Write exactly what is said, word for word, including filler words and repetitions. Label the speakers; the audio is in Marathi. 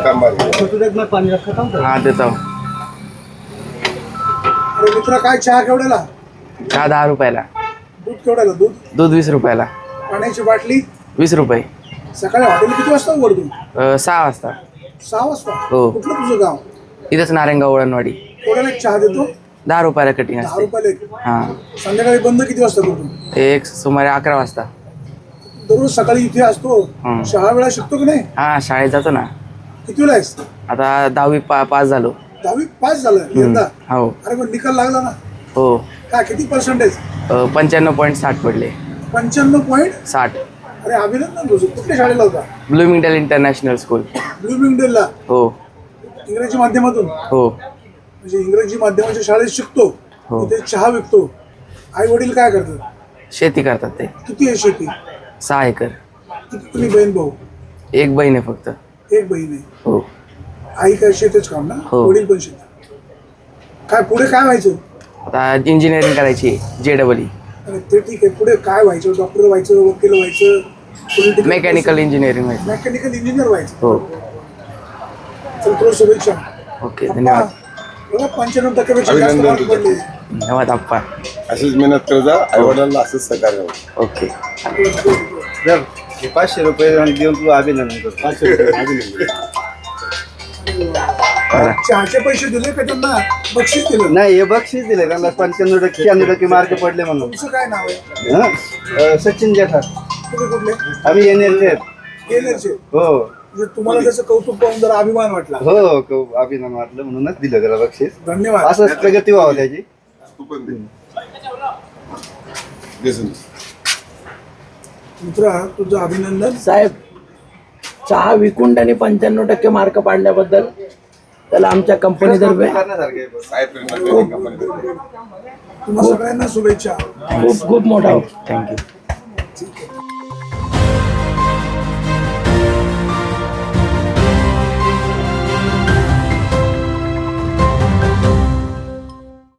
Speaker 1: हाँ देता हूँ।
Speaker 2: अरे मित्रा काय चहा केवढ्याला?
Speaker 1: चहा दहा रुपयाला,
Speaker 2: दूध केवढ्याला? दूध
Speaker 1: दूध वीस रुपयाला,
Speaker 2: पाण्याची बाटली
Speaker 1: वीस रुपये,
Speaker 2: सकाळी हॉटेल किती वाजता उघडतो?
Speaker 1: अ, सहा वाजता.
Speaker 2: सहा वाजता.
Speaker 1: हो.
Speaker 2: कुठलं तुझं गाव?
Speaker 1: इथंच नारायणगाव वळणवाडी.
Speaker 2: केवढ्याला एक चहा देतो?
Speaker 1: दहा रुपयाला कटिंग
Speaker 2: दहा
Speaker 1: असते.
Speaker 2: रुपयाला एक.
Speaker 1: हां,
Speaker 2: संध्याकाळी बंद किती वाजता करतो?
Speaker 1: एक सुमारे अकरा वाजता.
Speaker 2: दररोज सकाळी इथे असतो.
Speaker 1: हं.
Speaker 2: शाळा वेळा शिकतो की नाही?
Speaker 1: हां, शाळेत जातो ना.
Speaker 2: कितीला आहेस?
Speaker 1: आता दहावी पा पास झालो.
Speaker 2: दहावी पास झालं यंदा?
Speaker 1: हो.
Speaker 2: अरे पण निकाल लागला ना?
Speaker 1: हो.
Speaker 2: काय किती पर्सेंटेज?
Speaker 1: पंच्याण्णव पॉईंट साठ पडले.
Speaker 2: पंच्याण्णव पॉईंट
Speaker 1: साठ.
Speaker 2: अरे अभिनंदन तुझं. कुठल्या शाळेला होता?
Speaker 1: Bloomingdale international school.
Speaker 2: ब्लूमिंगडेलला.
Speaker 1: हो
Speaker 2: इंग्रजी माध्यमातून?
Speaker 1: हो
Speaker 2: म्हणजे इंग्रजी माध्यमाच्या शाळेत शिकतो,
Speaker 1: हो.
Speaker 2: तिथे चहा विकतो. आई वडील काय करतात?
Speaker 1: शेती करतात ते.
Speaker 2: किती आहे शेती?
Speaker 1: सहा एकर.
Speaker 2: किती तुम्ही बहीण भाऊ?
Speaker 1: एक बहीण आहे फक्त.
Speaker 2: एक बहीण आहे.
Speaker 1: हो
Speaker 2: आई काय शेतीच काम ना?
Speaker 1: हो.
Speaker 2: वडील पण शेती. काय पुढे काय व्हायचं?
Speaker 1: आता इंजिनिअरिंग करायची जे डबल ई.
Speaker 2: अरे ते ठीक आहे, पुढे काय व्हायचं? डॉक्टर व्हायचं, वकील व्हायचं, पॉलिटिकल
Speaker 1: मेकॅनिकल इंजिनिअरिंग व्हायचं.
Speaker 2: मेकॅनिकल इंजिनियर व्हायचं?
Speaker 1: हो.
Speaker 2: चल तुला शुभेच्छा.
Speaker 1: ओके धन्यवाद.
Speaker 2: बघा पंच्याण्णव टक्क्यापेक्षा जास्त मार्क पडले.
Speaker 1: धन्यवाद आप्पा.
Speaker 3: अशीच मेहनत कर जा, आई वडिलांना असंच सहकार्य होतं.
Speaker 1: ओके.
Speaker 4: पाचशे रुपये देऊन तुला अभिनंदन करतो. पाचशे रुपये अभिनंदन.
Speaker 2: चहाचे पैसे दिले का त्यांना बक्षीस दिलं?
Speaker 4: नाही, हे बक्षीस दिले त्यांना. पंच्याण्णव टक्के शहाण्णव टक्के मार्क पडले म्हणून.
Speaker 2: तुमचं काय नाव आहे?
Speaker 4: हं? सचिन जेठा.
Speaker 2: तुम्ही कुठले?
Speaker 4: आम्ही येण्याचे.
Speaker 2: गेलेचे.
Speaker 4: हो
Speaker 2: म्हणजे तुम्हाला त्याचं कौतुक पाहून जरा अभिमान वाटला?
Speaker 4: हो क- अभिनंदन वाटलं म्हणूनच दिलं त्याला बक्षीस.
Speaker 2: धन्यवाद.
Speaker 4: असंच प्रगती व्हावं त्याची.
Speaker 3: तू पण दे. देसून.
Speaker 2: मित्रा तुझं अभिनंदन.
Speaker 5: साहेब, चहा विकून त्यांनी पंच्याण्णव टक्के मार्क पाडल्याबद्दल त्याला आमच्या कंपनीतर्फे
Speaker 4: करण्यासारखं आहे.
Speaker 3: साहेब प्रेम कंपनी.
Speaker 2: तुम्हा सगळ्यांना शुभेच्छा.
Speaker 5: खूप खूप मोठा
Speaker 1: थँक्यू.